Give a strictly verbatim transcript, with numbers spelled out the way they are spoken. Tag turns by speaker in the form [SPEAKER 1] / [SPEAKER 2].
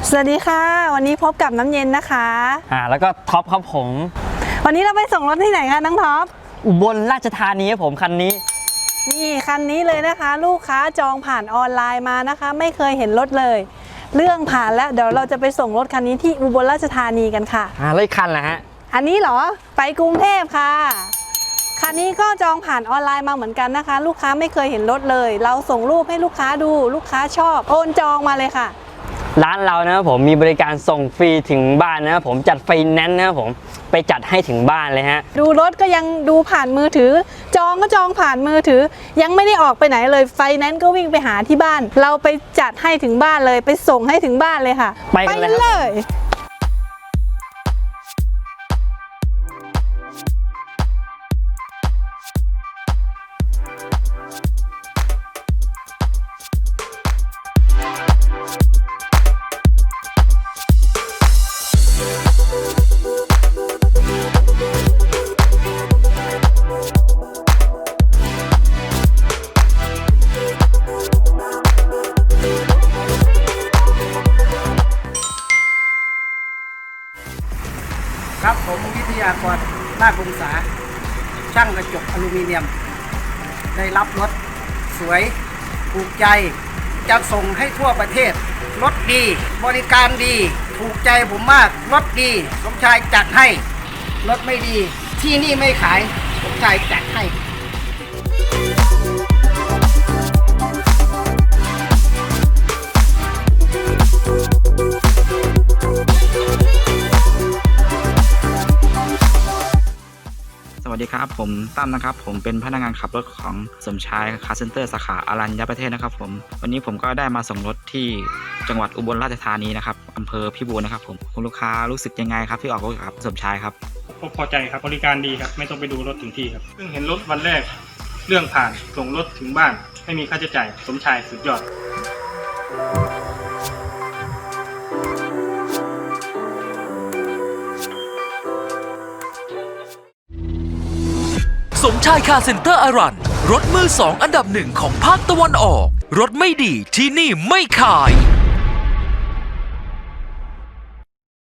[SPEAKER 1] สวัสดีค่ะวันนี้พบกับน้ำเย็นนะคะ
[SPEAKER 2] อ่าแล้วก็ท็อปครับผม
[SPEAKER 1] วันนี้เราไปส่งรถที่ไหนคะน้องท็อป
[SPEAKER 2] อุบลราชธานีครับผมคันนี้
[SPEAKER 1] นี่คันนี้เลยนะคะลูกค้าจองผ่านออนไลน์มานะคะไม่เคยเห็นรถเลยเรื่องผ่านแล้วเดี๋ยวเราจะไปส่งรถคันนี้ที่อุบลราชธานีกันค่ะ
[SPEAKER 2] อ่าแล้วคันละฮะ
[SPEAKER 1] อันนี้เหรอไปกรุงเทพค่ะคันนี้ก็จองผ่านออนไลน์มาเหมือนกันนะคะลูกค้าไม่เคยเห็นรถเลยเราส่งรูปให้ลูกค้าดูลูกค้าชอบโอนจองมาเลยค่ะ
[SPEAKER 2] ร้านเรานะครับผมมีบริการส่งฟรีถึงบ้านนะครับผมจัดไฟแนนซ์นะครับผมไปจัดให้ถึงบ้านเลยฮะ
[SPEAKER 1] ดูรถก็ยังดูผ่านมือถือจองก็จองผ่านมือถือยังไม่ได้ออกไปไหนเลยไฟแนนซ์ก็วิ่งไปหาที่บ้านเราไปจัดให้ถึงบ้านเลยไปส่งให้ถึงบ้านเลยค่ะ
[SPEAKER 2] ไปกันเลย
[SPEAKER 3] ครับผมวิทยากรนาคพงษาช่างกระจกอลูมิเนียมได้รับรถสวยถูกใจจะส่งให้ทั่วประเทศรถดีบริการดีถูกใจผมมากรถดีสมชายจัดให้รถไม่ดีที่นี่ไม่ขายสมชายจัดให้
[SPEAKER 4] สวัสดีครับผมตั้มนะครับผมเป็นพนักงานขับรถของสมชายคาร์เซ็นเตอร์สาขาอารัญญประเทศนะครับผมวันนี้ผมก็ได้มาส่งรถที่จังหวัดอุบลราชธานีนะครับอำเภอพิบูลนะครับผมคุณลูกค้ารู้สึกยังไงครับที่ออกรถกับสมชายครับ
[SPEAKER 5] พอใจครับบริการดีครับไม่ต้องไปดูรถถึงที่ครับเพิ่งเห็นรถวันแรกเรื่องผ่านส่งรถถึงบ้านไม่มีค่าใช้จ่ายสมชายสุดยอด
[SPEAKER 6] สมชายคาร์เซ็นเตอร์อารันรถมือสองอันดับหนึ่งของภาคตะวันออกรถไม่ดีที่นี่ไม่ขาย